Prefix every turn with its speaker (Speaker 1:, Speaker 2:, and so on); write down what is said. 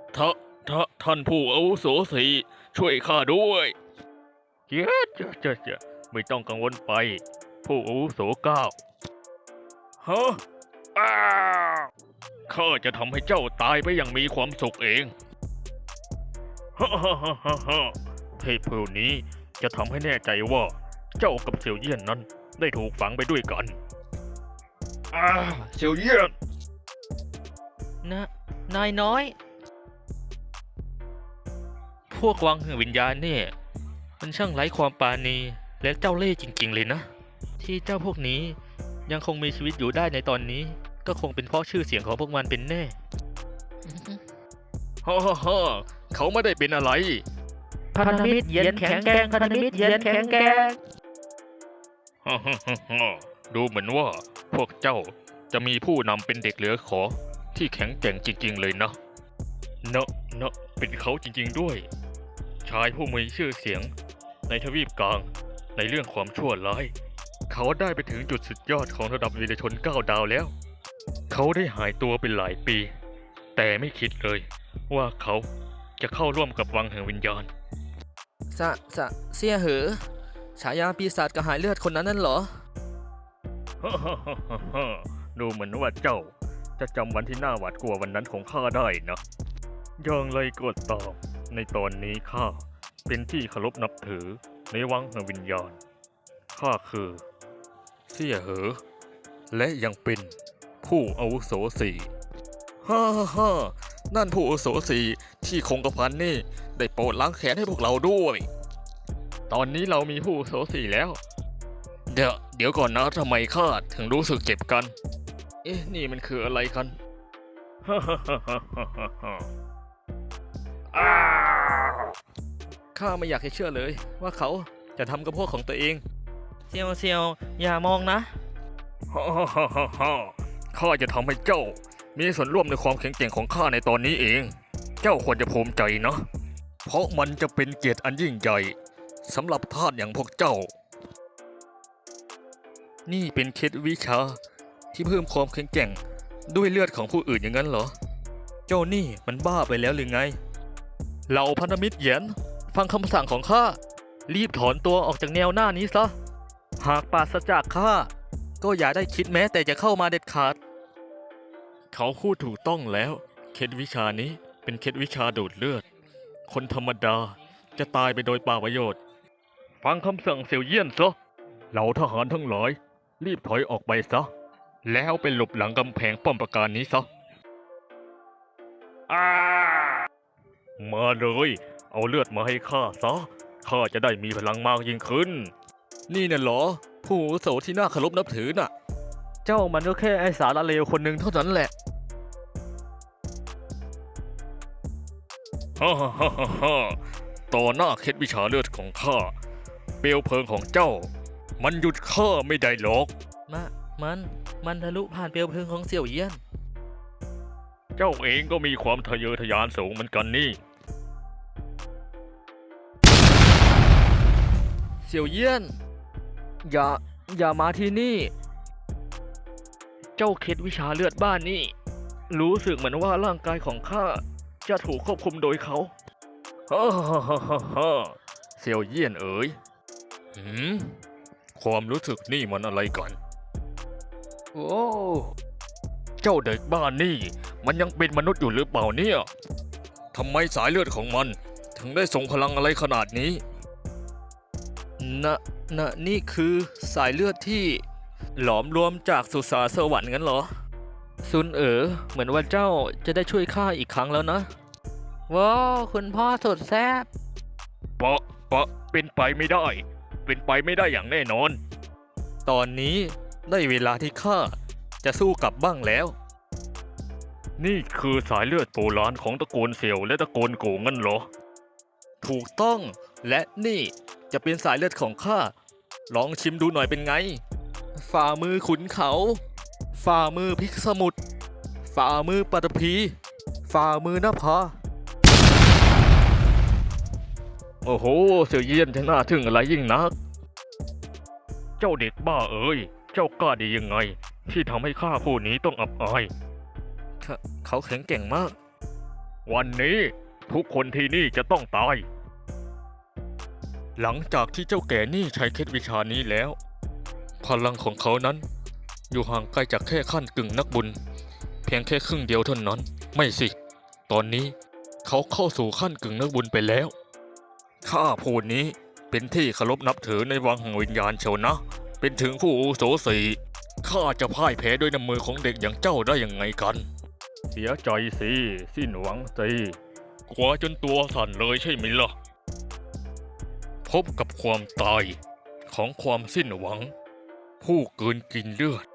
Speaker 1: ท่าท่านผู้อาวุโสสี่ช่วยข้าด้วยเจ้าไม่ต้องกังวลไปผู้อาวุโสเก้าฮะอ้าข้าจะทำให้เจ้าตายไปอย่างมีความสุขเองฮ่าฮ่าฮ่าฮ่าฮ่าเทพผู้นี้จะทำให้แน่ใจว่าเจ้ากับเสี่ยวเยี่ยนนั้นได้ถูกฝังไปด้วยกันเสี่ยวเยี่ยน
Speaker 2: นายน้อย พวกวังแห่งวิญญาณเนี่ยมันช่างไร้ความปราณีและเจ้าเล่ห์จริงๆเลยนะ ที่เจ้าพวกนี้ยังคงมีชีวิตอยู่ได้ในตอนนี้ก็คงเป็นเพราะชื่อเสียงของพวกมันเป็นแน่
Speaker 1: ฮ่าฮ่าฮ่าเขาไม่ได้เป็นอะไร
Speaker 2: พันธมิตรเย็นแข็งแกร่งพันธมิตรเย็นแข็งแกร่ง
Speaker 1: ฮ่าฮ่าฮ่าฮ่าดูเหมือนว่าพวกเจ้าจะมีผู้นำเป็นเด็กเหลือขอที่แข็งแกร่งจริงๆเลยนะเนอะเป็นเขาจริงๆด้วยชายผู้มีชื่อเสียงในทวีปกลางในเรื่องความชั่วร้ายเขาได้ไปถึงจุดสุดยอดของระดับวีรชน9 ดาวแล้วเขาได้หายตัวเป็นหลายปีแต่ไม่คิดเลยว่าเขาจะเข้าร่วมกับวังแห่งวิญญาณ
Speaker 2: เสี่ยเหอฉายาปีศาจกระหายเลือดคนนั้นนั่นเหรอ
Speaker 1: ฮ่าฮ่าฮ่าฮ่าดูเหมือนว่าเจ้าจะจำวันที่น่าหวาดกลัววันนั้นของข้าได้นะอย่างไรก็ตามในตอนนี้ข้าเป็นที่เคารพนับถือในวังแห่งวิญญาณข้าคือเสี่ยเหอและยังเป็นผู้อาวุโสสี่ฮ่าฮ่าฮ่านั่นผู้อาวุโสสี่ที่คงกระพันนี่ได้โปรดล้างแค้นให้พวกเราด้วยตอนนี้เรามีผู้อาวุโสสี่แล้ว เดี๋ยวก่อนนะทำไมข้าถึงรู้สึกเจ็บกัน เอ๊ะนี่มันคืออะไรกันฮ่าฮ่าฮ่าฮ่าฮ่าฮ่า
Speaker 2: ข้าไม่อยากให้เชื่อเลยว่าเขาจะทำกับพวกของตัวเองเซียวอย่ามองนะ
Speaker 1: ฮ่าฮ่าฮ่าฮ่าฮ่าข้าจะทำให้เจ้ามีส่วนร่วมในความแข็งแกร่งของข้าในตอนนี้เอง เจ้าควรจะภูมิใจนะ เพราะมันจะเป็นเกียรติอันยิ่งใหญ่สำหรับทาสอย่างพวกเจ้า นี่เป็นเคล็ดวิชาที่เพิ่มความแข็งแกร่งด้วยเลือดของผู้อื่นอย่างนั้นเหรอ เจ้านี่มันบ้าไปแล้วหรือไงเหล่าพันธมิตรเหยียนฟังคำสั่งของข้ารีบถอนตัวออกจากแนวหน้านี้ซะหากปราศจากข้าก็อย่าได้คิดแม้แต่จะเข้ามาเด็ดขาดเขาพูดถูกต้องแล้วเคล็ดวิชานี้เป็นเคล็ดวิชาดูดเลือดคนธรรมดาจะตายไปโดยเปล่าประโยชน์ฟังคำสั่งเสี่ยวเยี่ยนซะเหล่าทหารทั้งหลายรีบถอยออกไปซะแล้วไปหลบหลังกำแพงป้อมปราการนี้ซะมาเลยเอาเลือดมาให้ข้าซะข้าจะได้มีพลังมากยิ่งขึ้นนี่น่ะเหรอผู้อาวุโสที่น่าเคารพนับถือน่ะเจ้ามันก็แค่ไอ้สารเลวคนหนึ่งเท่านั้นแหละฮ่าฮ่าฮ่าฮ่าต่อหน้าเคล็ดวิชาเลือดของข้าเปลวเพลิงของเจ้ามันหยุดข้าไม่ได้หรอก
Speaker 2: มันทะลุผ่านเปลวเพลิงของเสี่ยวเยี่ยน
Speaker 1: เจ้าเองก็มีความทะเยอทะยานสูงเหมือนกันนี่
Speaker 2: เสี่ยวเยี่ยนอย่ามาที่นี่ เจ้าเคล็ดวิชาเลือดบ้านนี่รู้สึกเหมือนว่าร่างกายของข้าจะถูกควบคุมโดยเขา
Speaker 1: ฮ่าฮ่าฮ่าฮ่าเสี่ยวเยี่ยนเอ๋ยความรู้สึกนี่มันอะไรกัน
Speaker 2: โอ้
Speaker 1: เจ้าเด็กบ้านนี่มันยังเป็นมนุษย์อยู่หรือเปล่าเนี่ยทำไมสายเลือดของมันถึงได้ส่งพลังอะไรขนาดนี้
Speaker 2: นี่คือสายเลือดที่หลอมรวมจากสุสานสวรรค์งั้นเหรอซุนเหมือนว่าเจ้าจะได้ช่วยข้าอีกครั้งแล้วนะว้าวคุณพ่อสุดแซ่บ
Speaker 1: เป็นไปไม่ได้เป็นไปไม่ได้อย่างแน่นอนตอนนี้ได้เวลาที่ข้าจะสู้กลับบ้างแล้วนี่คือสายเลือดโบราณของตระกูลเสี่ยวและตระกูลโกงั้นเหรอถูกต้องและนี่จะเป็นสายเลือดของข้าลองชิมดูหน่อยเป็นไงฝ่ามือขุนเขาฝ่ามือพิกสมุทรฝ่ามือปัตภีฝ่ามือนภาโอ้โหเสี่ยวเยี่ยนช่างน่าทึ่งอะไรยิ่งนักเจ้าเด็กบ้าเอ๋ยเจ้ากล้าดียังไงที่ทำให้ข้าผู้นี้ต้องอับอายเขาแข็งแกร่งมากวันนี้ทุกคนที่นี่จะต้องตาย
Speaker 2: หลังจากที่เจ้าแก่นี่ใช้เคล็ดวิชานี้แล้ว พลังของเขานั้น อยู่ห่างไกลจากแค่ขั้นกึ่งนักบุญ เพียงแค่ครึ่งเดียวเท่านั้น ไม่สิ ตอนนี้เขาเข้าสู่ขั้นกึ่งนักบุญไปแล้ว ข้าผู้นี้เป็นที่เคารพนับถือในวังแห่งวิญญาณเชียวนะ เป็นถึงผู้อาวุโสสี่ข้าจะพ่ายแพ้ด้วยน้ำมือของเด็กอย่างเจ้าได้ยังไงกัน
Speaker 1: เสียใจสิสิ้นหวังสิ
Speaker 2: กลัวจนตัวสั่นเลยใช่ไหมล่ะ พบกับความตายของความสิ้นหวัง ผู้กลืนกินเลือด